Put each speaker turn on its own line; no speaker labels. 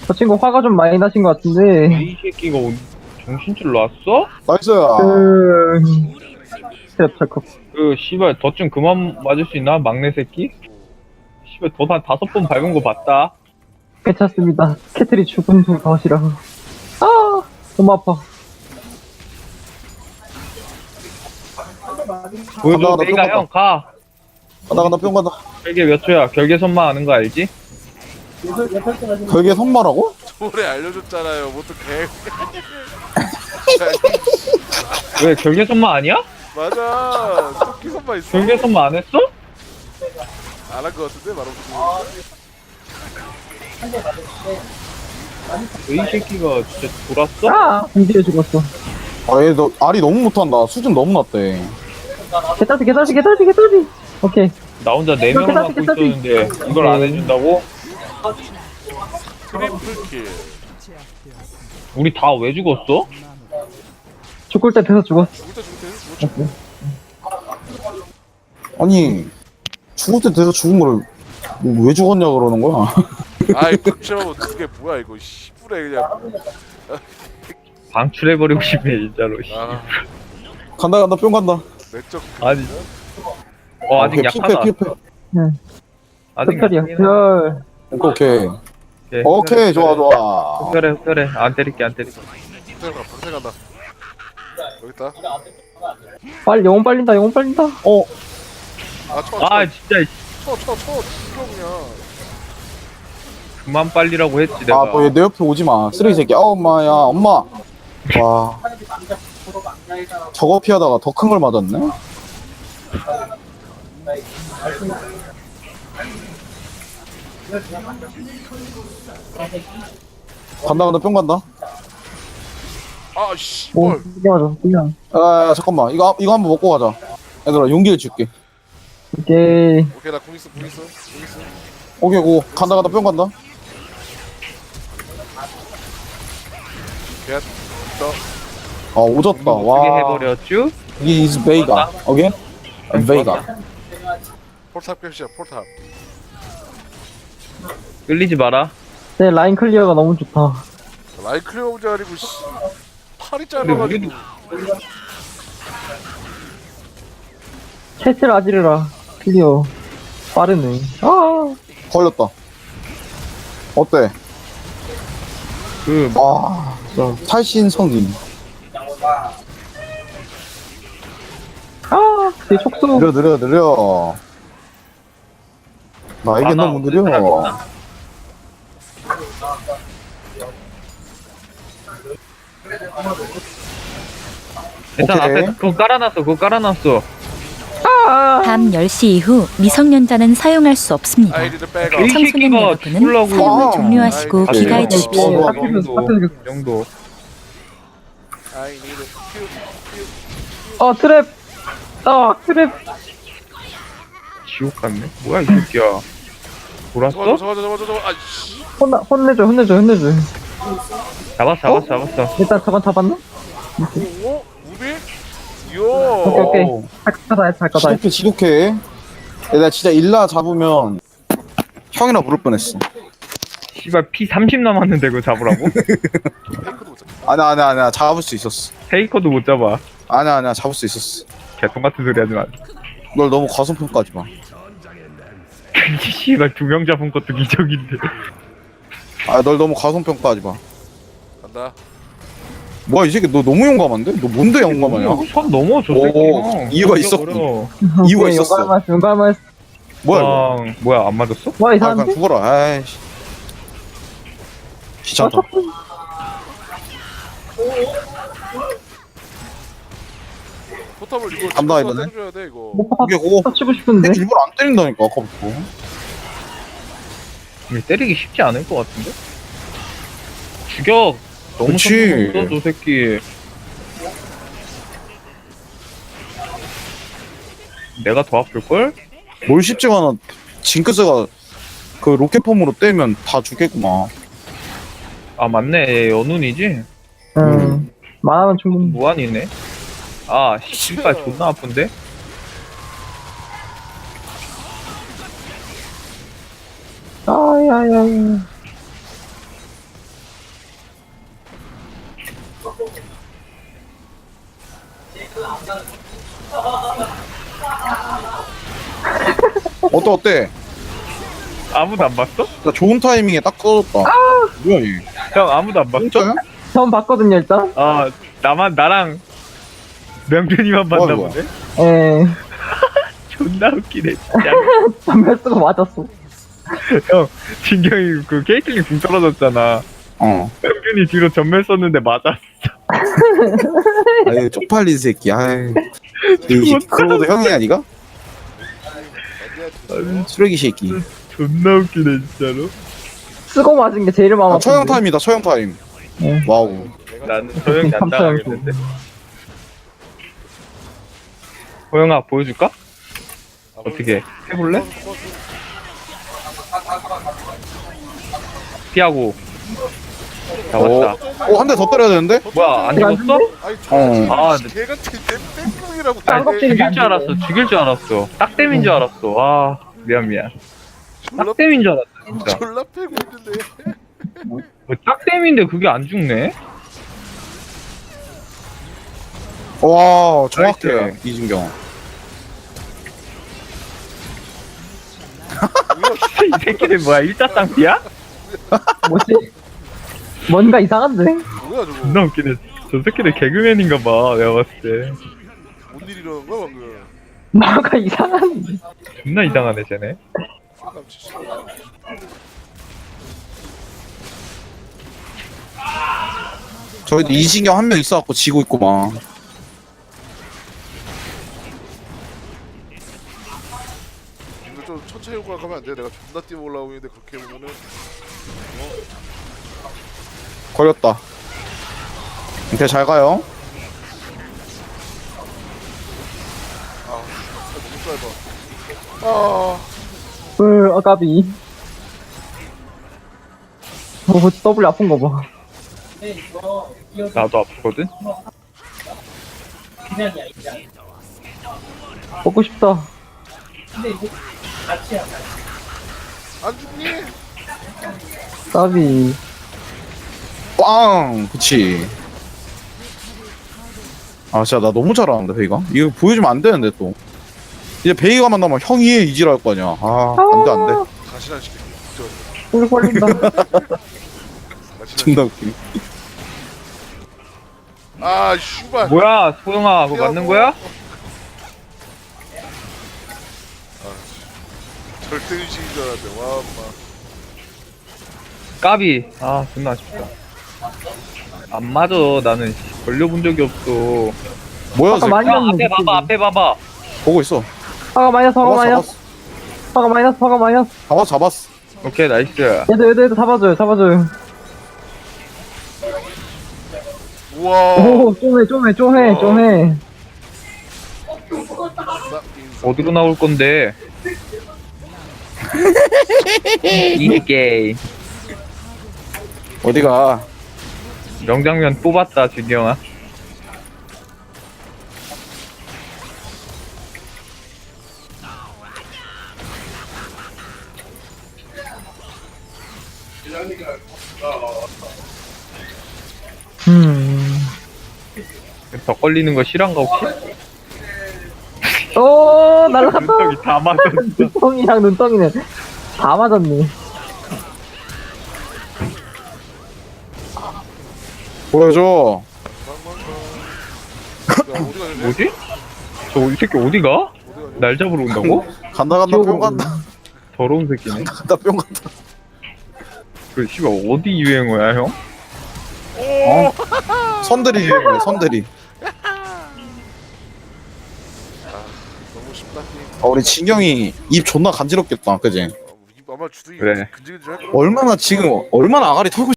저 친구 화가 좀 많이 나신 것 같은데.
이 새끼가 정신줄 놨어?
나이스.
스트랩 철컥.
그 씨발 덫 좀 그만 맞을 수 있나? 막내 새끼? 씨발 덫 한 5번 밟은 거 봤다.
괜찮습니다. 캐틀이 죽은 후 덫이라. 아, 너무 아파.
보여줘.
간다,
내가
간다.
형 가.
간다 뿅 간다.
결계 몇 초야? 결계 선만 아는 거 알지?
별게 선마라고?
오래 알려줬잖아요. 뭐 어떡해.
왜 결계 선만 아니야?
맞아. 토끼 선만 있어.
결계 선만 안 했어?
안 한 거 같은데 바로.
이 새끼가 진짜 돌았어?
아, 공지에 죽었어.
얘 너 알이 너무 못한다. 수준 너무 낮대.
개따지. 오케이.
나 혼자 4명을 맡고 있었는데 이걸 안 해준다고?
트리플 킬.
우리 다 왜 죽었어?
죽을 때 돼서 죽었어.
죽을 때 죽을 때.
아니 죽을 때 돼서 죽은 거를 왜 죽었냐 그러는 거야?
아이 극심하면 그게 뭐야 이거. 씨부레 그냥.
방출해버리고 싶네 진짜로.
아
간다 뿅 간다.
내적.
아니 아직
오케이,
약하다.
필패.
응.
아직
별
약하긴 해.
별.
오케이.
오케이,
오케이 좋아.
흡혈해 안 때릴게
방생 간다. 여기 있다.
빨리 영혼 빨린다.
어
아 진짜
쳐 죽여 그냥.
그만 빨리라고 했지 내가.
뭐 얘 내 옆에 오지 마. 쓰레기 새끼. 엄마야 엄마. 와. 저거 피하다가 더 큰 걸 맞았네. 간다 뿅 간다.
아
오,
씨발.
이게 맞아. 그냥.
잠깐만 이거 한번 먹고 가자. 얘들아 용기를 줄게.
오케이.
오케이 나 공 있어.
오케이 고 간다 뿅 간다.
걔 더.
오졌다.
어떻게
와.
해버렸쥬?
이게 is Vega. 오케이? Vega.
폴탑 캡시야 폴탑.
끌리지 마라.
네, 라인 클리어가 너무 좋다.
라인 클리어 문제 아니고 씨. 팔이
근데
짧아가지고.
우리도
캐틀 아지르라. 클리어. 빠르네. 아,
걸렸다. 어때?
그
탈신성인.
내 촉수.
느려. 나에게 너무 느려.
일단
오케이.
앞에 그거 깔아놨어.
밤 10시 이후 미성년자는 사용할 수 없습니다.
아이디를 빼가.
이
청소년
새끼가
여러분은
죽으려고.
사용을 종료하시고
아,
귀가해
아,
주십시오.
아,
이 정도.
아이디를
트랩. 트랩.
지옥 같네. 뭐야 이 새끼야. 돌았어?
저거 아씨.
혼내줘.
잡았어.
일단 저건 잡았나?
오? 무비?
오케이.
요.
잘 거다.
지독해. 내가 진짜 일라 잡으면 형이나 부를 뻔했어.
씨발 피 30 남았는데 그거 잡으라고?
테이크도 못 잡.
아니야. 잡을 수 있었어.
페이커도 못 잡아.
아니야. 잡을 수 있었어.
개똥 같은 소리 하지 마.
널 너무 과소평가하지 마.
씨발 2명 잡은 것도 기적인데.
널 너무 과소평가하지 마.
간다.
뭐야 이 새끼 너 너무 용감한데? 너 뭔데 용감하냐?
선 넘어 저
오,
새끼는.
이유가 있었군. 이유가 있었어.
용감했어.
뭐야 이거?
뭐야 안 맞았어?
와,
그냥
이상한데?
죽어라. 아이씨. 귀찮다.
포탑을 이거
간다,
집어서
이번에.
해줘야 돼 이거.
이게 그거
치고 싶은데?
일부러 안 때린다니까 아까부터.
이게 때리기 쉽지 않을 것 같은데? 죽여! 너무
그치.
성공 없어 저 새끼. 내가 더 아플걸?
뭘 쉽지가 않아. 징크스가 그 로켓폼으로 때리면 다 죽겠구만.
아 맞네 얘 연운이지?
만화는 충분히.
무한이네. 아 씨발 존나 아픈데?
아야야야.
어때?
아무도 안 봤어?
나 좋은 타이밍에 딱 꺼졌다. 뭐야 얘?
형 아무도 안 봤어?
진짜야?
처음 봤거든요, 일단.
아 나랑 명준이만 봤나
뭐야,
보네.
예.
존나 웃기네 진짜.
전멸수가 맞았어.
형 진경이 그 케이틀린 궁 떨어졌잖아.
어.
명준이 뒤로 전멸 썼는데 맞았어.
아유 쪽팔린 새끼. 아유. 이 그러고도 형이 아니가? 쓰레기 새끼.
존나 웃기네 진짜로.
쓰고 맞은 게 제일 마음
아,
아픈데.
처형 타임이다. 처형 타임.
네.
와우.
나는 소영이 안 당하겠는데. 호영아 보여줄까? 어떻게 해볼래? 피하고 잡았다.
한 대 더 때려야 되는데?
뭐야 안 죽었어?
아니
어.
저 개같은 땜빵이라고
아니,
쌍껍질이
죽일
안
줄 알았어. 죽일 줄 알았어. 딱땜인 줄 알았어. 아 미안. 딱땜인 줄 알았어 진짜.
졸라 패고 있는데.
뭐, 딱땜인데 그게 안 죽네?
와 정확해
나이스.
이진경.
이 새끼들 뭐야 일자쌍피야?
뭐지? 뭔가 이상한데?
뭐야 저거?
존나 웃기네. 저 새끼들 개그맨인가 봐 내가 봤을 때.
뭔 일이 일어난 거야 방금?
뭔가 이상한데?
존나 이상하네 쟤네.
저희도 이진경 한 명 있어갖고 지고 있구만.
이거 좀 천천히 올라가면 안 돼? 내가 존나 뛰어 올라오고 있는데 그렇게 보면은
걸렸다. 이렇게 잘 가요.
너무 짧아.
아까비. W 아픈 거 봐.
나도 아프거든.
먹고 싶다.
안 죽니?
까비.
빵! 그치. 아, 진짜 나 너무 잘하는데, 베이가? 이거 보여주면 안 되는데, 또. 이제 베이가 만나면 형이 해, 이지랄 할 거 아니야. 아, 안 돼, 안 돼.
가시란 시켜.
꿀 걸린다.
존나 웃기네.
아 슈발.
뭐야 소영아 그거 맞는 거야?
절대 의식인 줄 알았네. 와 엄마.
까비. 아 존나 아쉽다. 안 맞아 나는 걸려본 적이 없어.
뭐야,
아까
쟤?
많이
야
났는데.
앞에 봐봐.
보고 있어.
화가 마이너스, 화가
잡았어,
마이너스.
잡았어.
화가 마이너스, 화가 마이너스.
잡았어.
오케이 나이스.
얘도 잡아줘요, 잡아줘요.
우와.
오, 좀 해.
어디로 나올 건데? 이 게임.
어디가?
명장면 뽑았다 진경아. 더 걸리는 거 실한가 혹시?
오, 날라갔다.
눈썹이 다 맞았어.
눈덩이랑 눈덩이는 다 맞았네.
보여줘.
뭐지? 저 이 새끼 어디가? 날 잡으러 온다고?
간다, 뿅 간다.
더러운 새끼네.
간다, 뿅 간다.
그 씨발 어디 유행어야 형?
어? 선들이 유행이야, 선들이.
너무 쉽다.
우리 진경이 입 존나 간지럽겠다, 그지?
입 아마 주둥이
그래.
근질근질할 거야.
얼마나 지금, 얼마나 아가리 털고